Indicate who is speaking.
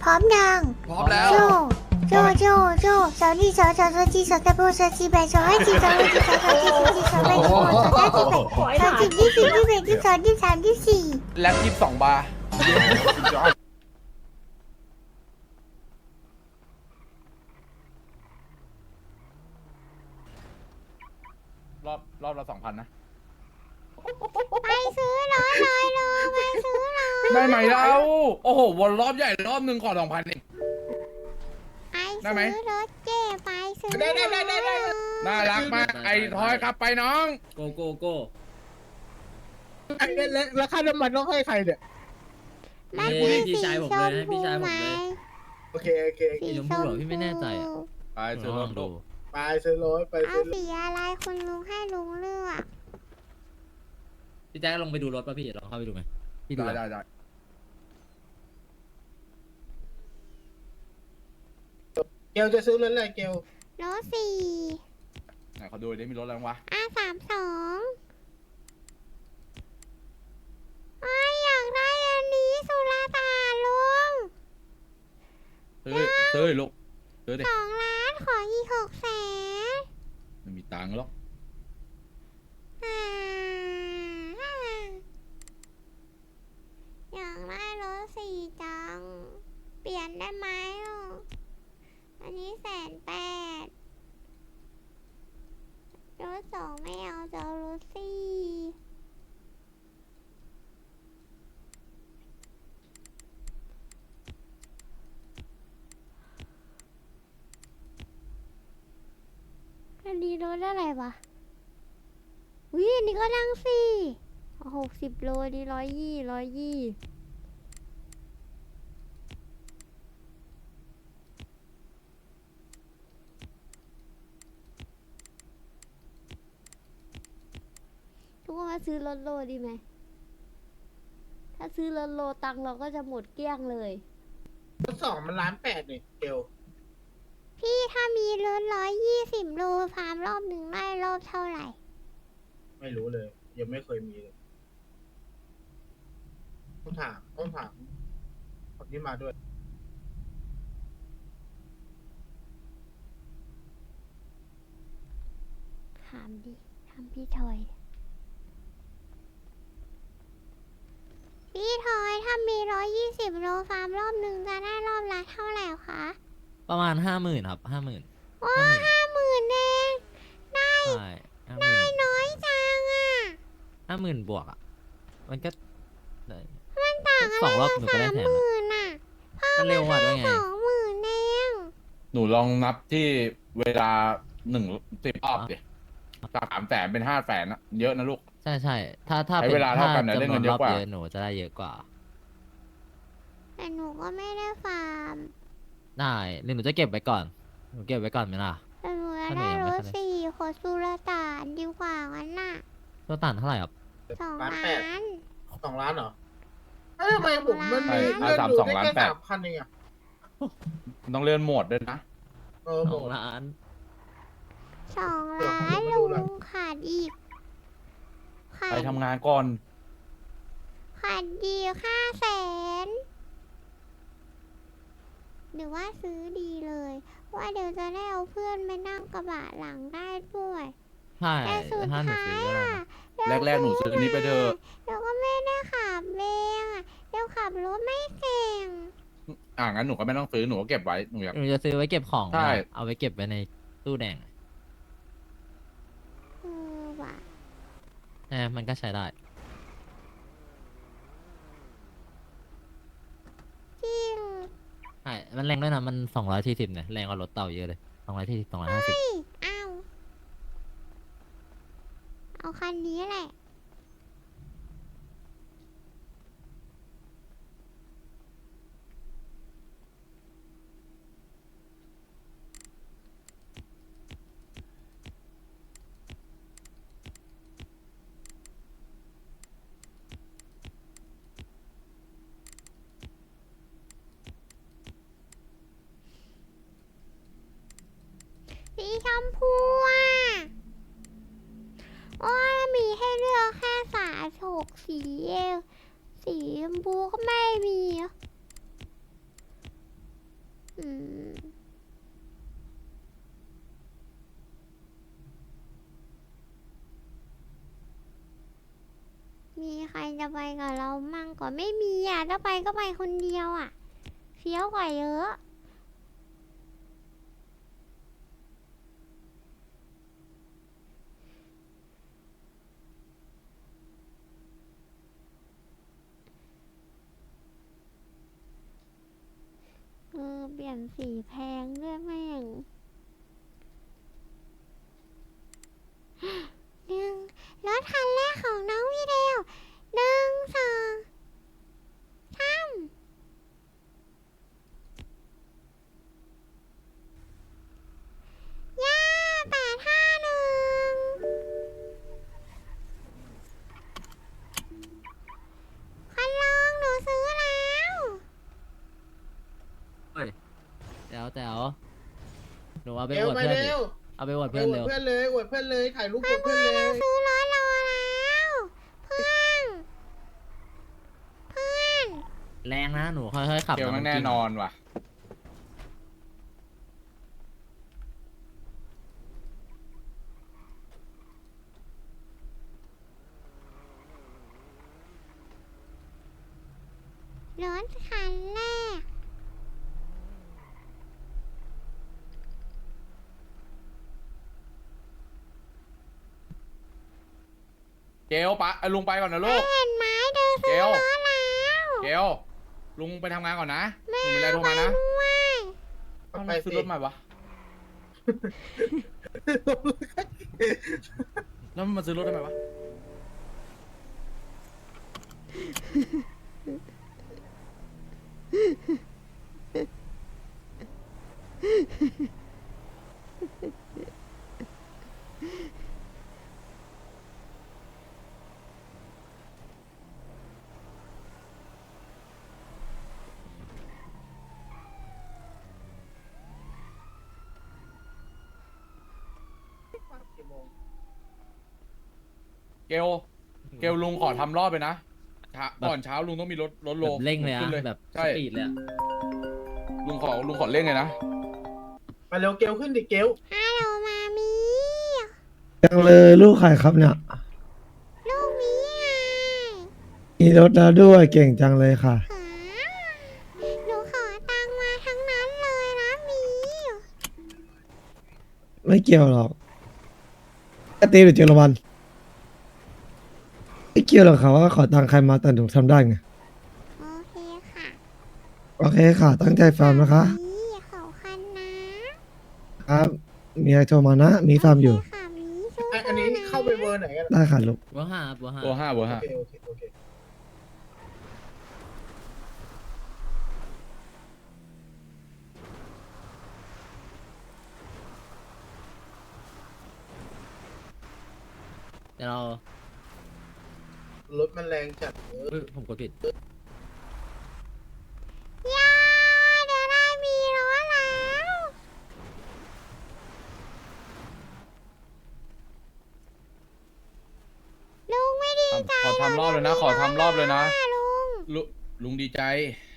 Speaker 1: ร้อมยัง
Speaker 2: พร้อมแล้ว
Speaker 1: โจโจสาวนี่สาวจีสาวตะโบสาวจีแบสาวให้จีสาวให้จีสาวจีสาวแบสาวสาวจีแบสาวจีที่สี่ที่แบที่สองที่สามที่สี่
Speaker 2: แล็บ22 บาร์รอบละ2,000นะ
Speaker 1: ไปซื้อรถเลยโลไปซื้อรถ
Speaker 2: ได้ไหมเราโอ้โหวนรอบใหญ่รอบหนึ่งขอ2,000เอง
Speaker 1: ไป
Speaker 2: ได้ไหม
Speaker 1: ซื้อรถเจ๊ไปซื้อ
Speaker 3: ได้
Speaker 2: น่ารักมากไอ้ทอยครับไปน้อง
Speaker 4: โกโก้
Speaker 3: ไอ้แล้วค่าน้ำมันต้องให้ใครเนี่ย
Speaker 1: มัน
Speaker 4: ให้
Speaker 1: มี
Speaker 4: พี่
Speaker 1: สี
Speaker 4: ชายผม
Speaker 1: ช
Speaker 4: เลย
Speaker 1: ม
Speaker 4: ให้พี่
Speaker 1: พู
Speaker 4: ชายผ
Speaker 1: ไหม
Speaker 4: มเลย
Speaker 3: โอเค
Speaker 4: สีชมพูเหรอพี่ไม่แน่ใจอะ
Speaker 2: ไปซื้อรถดู
Speaker 3: ไปซื้อรถไป
Speaker 1: เอา
Speaker 3: ซื้อรถ
Speaker 1: สีอะไรคุณลุงให้ลุงเลือก
Speaker 4: พี่แจ๊คลงไปดูรถป่ะพี่ลองเข้าไปดูไหมพี่ดู
Speaker 2: ได้
Speaker 4: อะ
Speaker 2: ได้
Speaker 3: เกลจะซื้อรถอะไรเกล
Speaker 1: รถสี่
Speaker 2: ไหนเขาดูได้มีรถอะไรบ้างวะ
Speaker 1: R32อยากได้อันนี้สุราตาลุง
Speaker 2: ซื้อลูกซื้อดิ
Speaker 1: 2 ล้านขออีก600,000
Speaker 2: ไม่มีตังค์หรอก
Speaker 1: อยากได้รถสี่จัง เปลี่ยนได้ไหมอ่ะอันนี้180,000รถสองไม่เอาจะเอารถสี่อันนี้รถอะไรวะวิอันนี้ก็นั่งสี่60 โลดี120ทุกคนมาซื้อรถโลดีไหม ถ้าซื้อรถโลตังค์เราก็จะหมดเกลี้ยงเลย
Speaker 3: รถ2มัน1,800,000นี่เกล
Speaker 1: พี่ถ้ามีรถ120 โลฟาร์มรอบหนึ่งได้รอบเท่าไหร่
Speaker 3: ไม่รู้เลย ยังไม่เคยมีเลยต้องถามคนที่มาด้วย
Speaker 1: ถามดิถามพี่ทอย พี่ทอยถ้ามี120 โลฟาร์มรอบหนึ่งจะได้รอบละเท่าไหร่คะ
Speaker 4: ประมาณ50,000ครับ50,000
Speaker 1: โอ้50,000เองได้
Speaker 4: ใช่50,000
Speaker 1: น้อยจังอ่ะ
Speaker 4: 50,000 บวกอ่ะมันก็ได้
Speaker 1: มันต่างอะไร
Speaker 4: 2 รอบหนูก็ได้
Speaker 1: กับ
Speaker 4: แถมอะ
Speaker 1: 30,000อ่ะ
Speaker 4: มันเร็วกว่าด้วยไง
Speaker 1: 20,000เอง
Speaker 2: หนูลองนับที่เวลา10 รอบดิจาก300,000เป็น500,000นะเยอะนะลูก
Speaker 4: ใช่ถ้า
Speaker 2: ใช้เวลาเท่ากันนะ
Speaker 4: ถ้
Speaker 2: ได้เงิน
Speaker 4: จำว
Speaker 2: เยอะกว่า
Speaker 4: รบหนูจะได้เยอะกว่า
Speaker 1: แต่หนูก็ไม่ได้ฟาร์ม
Speaker 4: ได้หรือหนูจะเก็บไว้ก่อนหนูเก็บไว้ก่อนไหมล่ะ
Speaker 1: แต่หนูจะ
Speaker 4: ถ้าหนู
Speaker 1: ได้
Speaker 4: ยัง
Speaker 1: ร
Speaker 4: ไม่
Speaker 1: ถ
Speaker 4: ทัน
Speaker 1: สี่ขอสุรตานดีกว่างั้นน่ะ
Speaker 4: ตัวต่างเท่าไหร่ครับ
Speaker 1: 2 ล้าน
Speaker 3: 2 ล้านเหรอเอ้ยทำไมผมมันมี
Speaker 2: ใช่
Speaker 3: เลื่อนดู
Speaker 2: 32
Speaker 3: ได้
Speaker 2: ล้าน
Speaker 3: แค่
Speaker 2: แปด
Speaker 3: 3,000เองอะ
Speaker 2: ต้องเลื่อนโหมดด้วยนะ
Speaker 3: หมด
Speaker 4: 2 ล้าน
Speaker 1: 2 ล้าน
Speaker 3: เดี๋ยวผมไปดู
Speaker 1: ลุ
Speaker 3: หน่อย
Speaker 1: งขาดอีกขา
Speaker 2: ไป
Speaker 1: ด
Speaker 2: ทำงานก่อน
Speaker 1: ขาดดี500,000หรือว่าซื้อดีเลย ว่าเดี๋ยวจะได้เอาเพื่อนไปนั่งกระบะหลังได้ด้วย
Speaker 4: ใช่
Speaker 1: แต่สุด
Speaker 4: ถ้าหนู
Speaker 1: ท้าย
Speaker 4: ซื้อก็ได้
Speaker 1: อะ
Speaker 4: นะ
Speaker 2: แรกๆหนูซื้อนี้ไปเถอะ
Speaker 1: เดี๋ยวก็ไม่ได้ขับเองอะเดี๋ยวขับรถไม่เก่ง
Speaker 2: งั้นหนูก็ไม่ต้องซื้อหนูก็เก็บไว้หนูอยาก
Speaker 4: หนูจะซื้อไว้เก็บของ
Speaker 2: ใช่
Speaker 4: เอาไว้เก็บไว้ในตู้แดง
Speaker 1: ว่ะ
Speaker 4: มันก็ใช้ได้
Speaker 1: จริง
Speaker 4: ใช่ มันแรงด้วยนะ มัน240เนี่ย แรงกว่ารถเต่าเยอะเลย240 250
Speaker 1: เอาคันนี้แหละสีชมพูอ่ะโอ้ยมีให้เลือกอืมมีใครจะไปกับเรามั่งก่อนไม่มีอ่ะถ้าไปก็ไปคนเดียวอ่ะเฟี้ยวกว่าเยอะเปลี่ยนสีแพงด้วยแม่งหนึ่งรถคันแรกของน้องวิเดล1 2 3ย่า851คันลองหนูซื้อแล้ว
Speaker 4: เฮ้ยแจ๋วแจ๋วหนูเอาไป
Speaker 3: เร็
Speaker 4: อ
Speaker 3: ว
Speaker 4: วด
Speaker 3: ไป
Speaker 4: เพื่อนดิ
Speaker 3: เร็ว
Speaker 4: เอาไปอวด
Speaker 3: ไป
Speaker 4: เพื่อน
Speaker 3: อวด
Speaker 4: เร็ว
Speaker 3: เพื่อนเลยอวดเพื่อนเลยถ่ายรูปอวดเพื่อนเลย
Speaker 1: ซื้อรถเราแล้วเพื่อนเพื่อน
Speaker 4: แรงนะหนูค่อยๆขับ
Speaker 2: เกล
Speaker 4: นะ
Speaker 2: มันแน่
Speaker 4: กิ้ง
Speaker 2: นอนว่ะ
Speaker 1: รถคันแรก
Speaker 2: เกลปะลุงไปก่อนนะลูก
Speaker 1: เห็นไหมเธอ
Speaker 2: เก
Speaker 1: ซื้อ
Speaker 2: ล
Speaker 1: รถแล้ว
Speaker 2: เกลลุงไปทำงานก่อนนะลุงมีอะไรโทรมานะ
Speaker 1: ด้วย
Speaker 2: เอ้าแล้วซื้อรถใหม่วะแล้วมันมาซื้อรถทำไมวะ เกลเกลลุงขอทำรอบไปนะก่อนเช้าลุงต้องมีรถโล
Speaker 4: แบบเร่งเลยอะ
Speaker 2: ขึ้น
Speaker 4: แบบส
Speaker 2: ใช่
Speaker 4: ปีดเลยอะ
Speaker 2: ลุงขอเร่งเลยนะ
Speaker 3: มาเร็วเกลขึ้นดิเกล
Speaker 1: ฮัลโหลมามี
Speaker 5: ยังเลยลูกใครครับเนี่ย
Speaker 1: ลูกมีไง
Speaker 5: มีรถแล้วด้วยเก่งจังเลยค่ะ
Speaker 1: หาหนูขอตังค์มาทั้งนั้นเลยนะมี
Speaker 5: ไม่เกี่ยวหรอกแค่ตีหรือเจอรางวัลไม่เกี่ยวหรอกค่ะว่าขอตังค์ใครมาแต่หนูทำได้ไง
Speaker 1: โอเคค่ะ
Speaker 5: โอเคค่ะ ตั้งใจฟังนะคะ
Speaker 1: มีขอคันนะครับ
Speaker 5: มีอะไรโทรมานะ มีฟาร์มอยู่
Speaker 1: โเคค่ะมีสู้ๆ
Speaker 3: อันนี้
Speaker 1: นะ
Speaker 3: เข้าไปเวอร์ไหนกัน
Speaker 5: ได้ค่ะลูก
Speaker 4: บัวห้าบัวห้า
Speaker 2: เบอร์ห้าเบอร์
Speaker 3: โอ
Speaker 2: ห้า
Speaker 3: เคโอเคโอเค
Speaker 4: เดี๋ยวเรา
Speaker 3: รถมันแรงจัด
Speaker 4: เฮ้ยผมกดผิด
Speaker 1: ย่าเดี๋ยวได้มีรถแล้ว ลุงไม่ดีใจ
Speaker 2: ขอทำรอบเลยนะ ขอทำรอบเลยนะ
Speaker 1: ลุง
Speaker 2: ลุงดีใจ
Speaker 1: เ